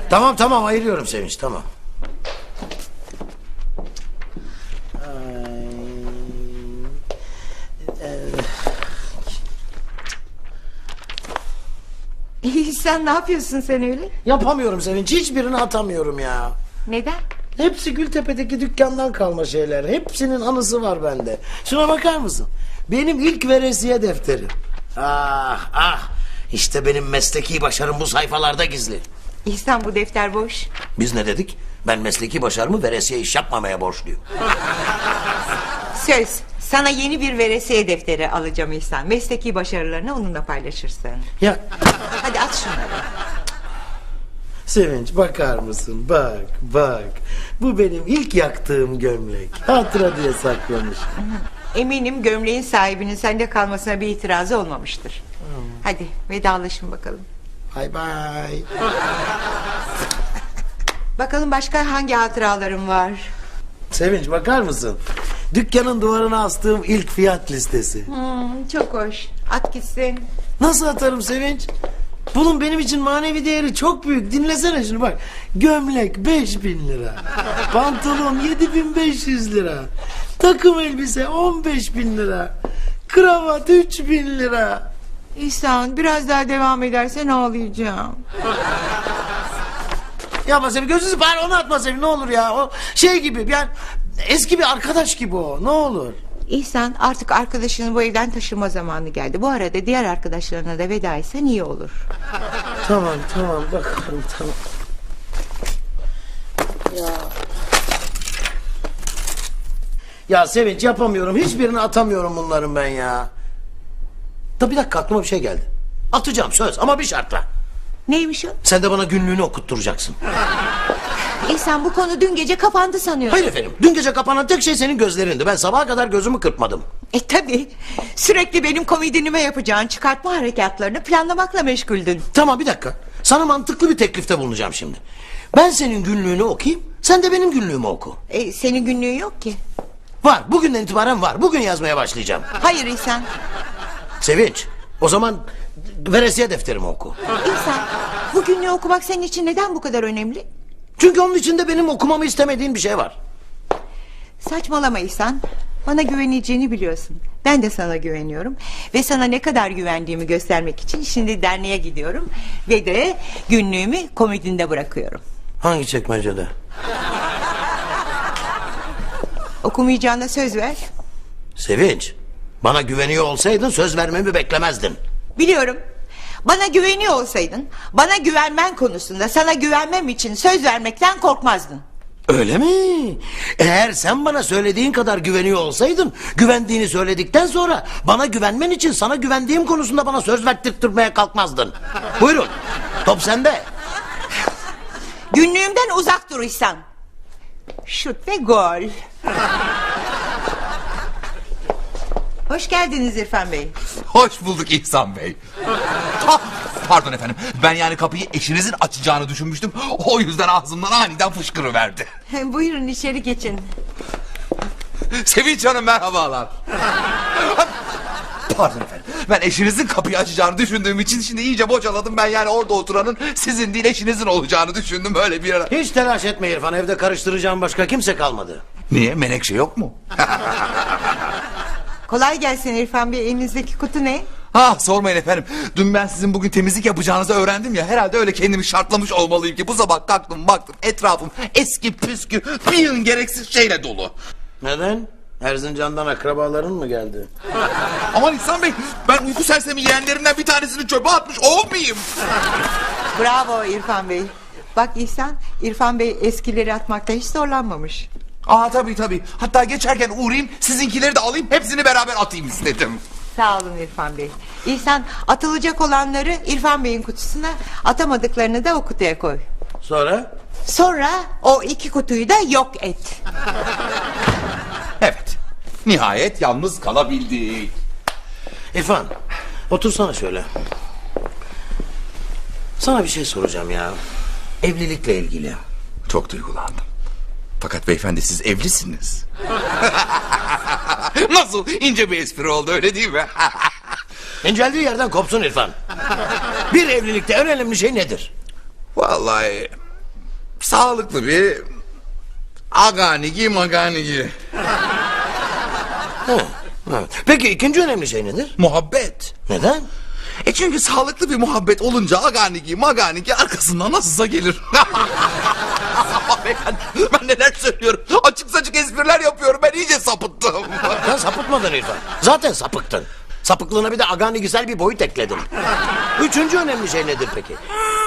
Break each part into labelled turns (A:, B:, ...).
A: Tamam ayırıyorum Sevinç, tamam.
B: Sen ne yapıyorsun sen öyle?
A: Yapamıyorum Sevinç, hiçbirini atamıyorum ya.
B: Neden?
A: Hepsi Gültepe'deki dükkandan kalma şeyler. Hepsinin anısı var bende. Şuna bakar mısın? Benim ilk veresiye defterim. Ah, işte benim mesleki başarım bu sayfalarda gizli.
B: İhsan, bu defter boş.
A: Biz ne dedik? Ben mesleki başarımı veresiye iş yapmamaya borçluyum.
B: Söz, sana yeni bir veresiye defteri alacağım İhsan. Mesleki başarılarını onunla paylaşırsın.
A: Ya
B: Hadi at şunları.
A: Sevinç, bakar mısın? Bak. Bu benim ilk yaktığım gömlek. Hatıra diye saklamış.
B: Eminim gömleğin sahibinin sende kalmasına bir itirazı olmamıştır. Hadi vedalaşın bakalım.
A: Bay bay.
B: Bakalım başka hangi hatıralarım var?
A: Sevinç, bakar mısın? Dükkanın duvarına astığım ilk fiyat listesi.
B: Çok hoş. At gitsin.
A: Nasıl atarım Sevinç? Bunun benim için manevi değeri çok büyük. Dinlesene şunu bak. Gömlek 5.000 lira. Pantolon 7.500 lira. Takım elbise 15.000 lira. Kravat 3.000 lira.
B: İhsan, biraz daha devam edersen ağlayacağım.
A: Yapma Sevim, gözünüzü bari onu atma Sevim, ne olur ya. O şey gibi yani, eski bir arkadaş gibi o, ne olur.
B: İhsan, artık arkadaşının bu evden taşınma zamanı geldi. Bu arada diğer arkadaşlarına da veda etsen iyi olur.
A: Tamam bakalım, tamam. Ya Sevinç, yapamıyorum, hiçbirini atamıyorum bunların ben ya. Da bir dakika, aklıma bir şey geldi. Atacağım söz, ama bir şartla.
B: Neymiş o?
A: Sen de bana günlüğünü okutturacaksın.
B: İhsan, bu konu dün gece kapandı sanıyorum.
A: Hayır efendim, dün gece kapanan tek şey senin gözlerindi. Ben sabaha kadar gözümü kırpmadım.
B: Tabii. Sürekli benim komedinime yapacağın çıkartma harekatlarını planlamakla meşguldün.
A: Tamam, bir dakika. Sana mantıklı bir teklifte bulunacağım şimdi. Ben senin günlüğünü okuyayım, sen de benim günlüğümü oku.
B: Senin günlüğün yok ki.
A: Var, bugünden itibaren var. Bugün yazmaya başlayacağım.
B: Hayır İhsan.
A: Sevinç, o zaman veresiye defterimi oku.
B: İhsan, bu günlüğü okumak senin için neden bu kadar önemli?
A: Çünkü onun içinde benim okumamı istemediğin bir şey var.
B: Saçmalama İhsan. Bana güveneceğini biliyorsun. Ben de sana güveniyorum. Ve sana ne kadar güvendiğimi göstermek için şimdi derneğe gidiyorum. Ve de günlüğümü komodinde bırakıyorum.
A: Hangi çekmecede?
B: Okumayacağına söz ver.
A: Sevinç, bana güveniyor olsaydın söz vermemi beklemezdin.
B: Biliyorum. Bana güveniyor olsaydın, bana güvenmen konusunda sana güvenmem için söz vermekten korkmazdın.
A: Öyle mi? Eğer sen bana söylediğin kadar güveniyor olsaydın, güvendiğini söyledikten sonra bana güvenmen için sana güvendiğim konusunda bana söz verdirtmeye kalkmazdın. Buyurun, top sende.
B: Günlüğümden uzak dur İhsan. Şut ve gol. Hoş geldiniz İrfan Bey.
C: Hoş bulduk İhsan Bey. Ah, pardon efendim. Ben yani kapıyı eşinizin açacağını düşünmüştüm. O yüzden ağzımdan aniden fışkırıverdi.
B: Buyurun içeri geçin.
C: Sevinç Hanım, merhabalar. Pardon efendim. Ben eşinizin kapıyı açacağını düşündüğüm için şimdi iyice bocaladım. Ben yani orada oturanın sizin değil eşinizin olacağını düşündüm öyle bir ara.
A: Hiç telaş etme İrfan, evde karıştıracağım başka kimse kalmadı.
C: Niye? Menekşe yok mu?
B: Kolay gelsin İrfan Bey. Elinizdeki kutu ne?
C: Ah, sormayın efendim. Dün ben sizin bugün temizlik yapacağınızı öğrendim ya. Herhalde öyle kendimi şartlamış olmalıyım ki bu sabah kalktım baktım etrafım eski püskü bir yığın gereksiz şeyle dolu.
A: Neden? Erzincan'dan akrabaların mı geldi?
C: Aman İhsan Bey, ben uyku sersemi yeğenlerimden bir tanesini çöpe atmış olmayayım.
B: Bravo İrfan Bey. Bak İhsan, İrfan Bey eskileri atmakta hiç zorlanmamış.
C: Aa, tabii. Hatta geçerken uğrayayım sizinkileri de alayım hepsini beraber atayım istedim.
B: Sağ olun İrfan Bey. İhsan, atılacak olanları İrfan Bey'in kutusuna, atamadıklarını da o kutuya koy.
A: Sonra?
B: Sonra o iki kutuyu da yok et.
C: Evet, nihayet yalnız kalabildik.
A: İrfan, otursana şöyle. Sana bir şey soracağım ya. Evlilikle ilgili.
C: Çok duygulandım. Fakat beyefendi siz evlisiniz. Nasıl ince bir espri oldu, öyle değil mi?
A: İnceldiği yerden kopsun İrfan. Bir evlilikte en önemli şey nedir?
C: Vallahi sağlıklı bir aganigi maganigi.
A: Evet. Peki ikinci önemli şey nedir?
C: Muhabbet.
A: Neden?
C: Çünkü sağlıklı bir muhabbet olunca aganigi maganigi arkasından nasılsa gelir. Beyefendi, ben neler söylüyorum. Açık saçık espriler yapıyorum. Ben iyice sapıttım.
A: Sen sapıtmadın İrfan. Zaten sapıktın. Sapıklığına bir de agani güzel bir boyut ekledin. Üçüncü önemli şey nedir peki?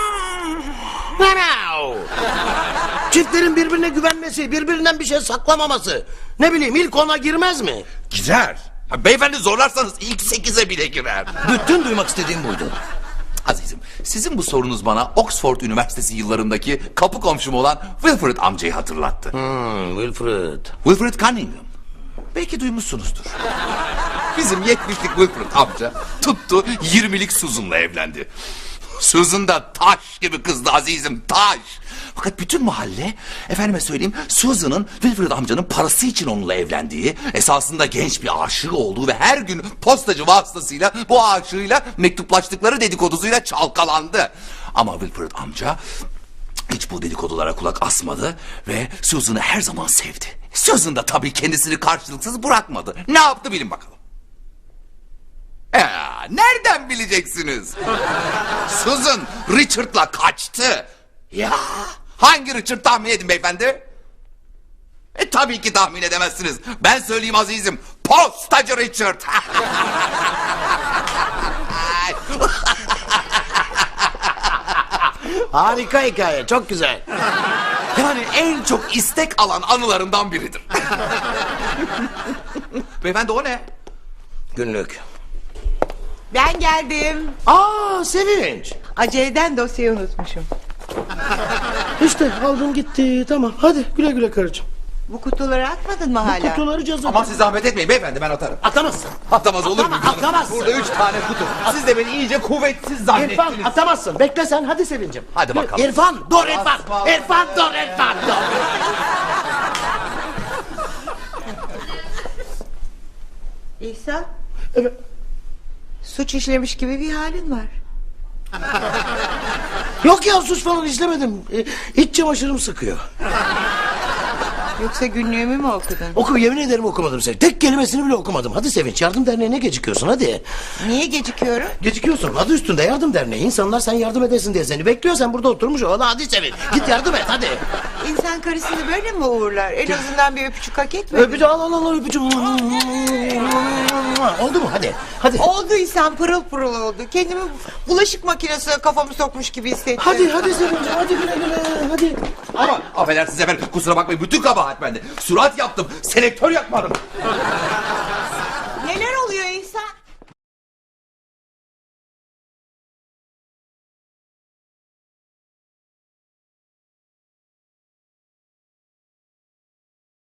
A: Çiftlerin birbirine güvenmesi, birbirinden bir şey saklamaması. Ne bileyim ilk ona girmez mi?
C: Girer. Beyefendi zorlarsanız ilk 8'e bile girer.
A: Bütün duymak istediğim buydu.
C: Azizim, sizin bu sorunuz bana Oxford Üniversitesi yıllarındaki kapı komşum olan Wilfred amcayı hatırlattı.
A: Wilfred.
C: Wilfred Cunningham. Belki duymuşsunuzdur. Bizim 70'lik Wilfred amca tuttu 20'lik Susan'la evlendi. Susan da taş gibi kızdı azizim, taş. Fakat bütün mahalle, efendime söyleyeyim, Susan'ın Wilfred amcanın parası için onunla evlendiği, esasında genç bir aşığı olduğu ve her gün postacı vasıtasıyla bu aşığıyla mektuplaştıkları dedikodusuyla çalkalandı. Ama Wilfred amca hiç bu dedikodulara kulak asmadı ve Susan'ı her zaman sevdi. Susan da tabii kendisini karşılıksız bırakmadı. Ne yaptı bilin bakalım. Nereden bileceksiniz? Susan Richard'la kaçtı. Ya hangi Richard tahmin edin beyefendi? Tabii ki tahmin edemezsiniz. Ben söyleyeyim azizim. Postacı Richard.
A: Harika hikaye, çok güzel.
C: Yani en çok istek alan anılarımdan biridir. Beyefendi o ne?
A: Günlük.
B: Ben geldim.
A: Sevinç.
B: Aceleden dosyayı unutmuşum.
A: İşte aldım gitti, tamam. Hadi güle güle karıcığım.
B: Bu kutuları atmadın mı hala?
A: Kutuları cazı.
C: Ama siz zahmet etmeyin beyefendi, ben atarım.
A: Atamazsın.
C: Atamaz olur mu?
A: Atamazsın.
C: Burada 3 tane kutu. Siz de beni iyice kuvvetsiz zannettiniz.
A: İrfan atamazsın. Bekle sen, hadi Sevincim.
C: Hadi bakalım.
A: İrfan, dur İrfan.
C: Asma.
A: İrfan, dur İrfan, dur.
B: İhsan,
A: Evet.
B: suç işlemiş gibi bir halin var.
A: Yok ya, suç falan işlemedim. İç çamaşırım sıkıyor.
B: Yoksa günlüğümü mü okudun?
A: Yemin ederim okumadım seni. Tek kelimesini bile okumadım. Hadi Sevinç, yardım derneğine gecikiyorsun hadi.
B: Niye gecikiyorum?
A: Gecikiyorsun, adı üstünde yardım derneği. İnsanlar sen yardım edesin diye seni bekliyor. Sen burada oturmuş ol. Hadi Sevinç, git yardım et hadi.
B: İnsan karısını böyle mi uğurlar? En azından bir öpücük hak etmedi.
A: Öpücü al öpücü. Oldu mu hadi. Hadi.
B: Oldu İhsan, pırıl pırıl oldu. Kendimi bulaşık makinesine kafamı sokmuş gibi hissettim.
A: Hadi Sevinç, hadi güle güle hadi.
C: Ama affedersiniz efendim, kusura bakmayın, bütün kabahat bende. Surat yaptım, selektör yapmadım.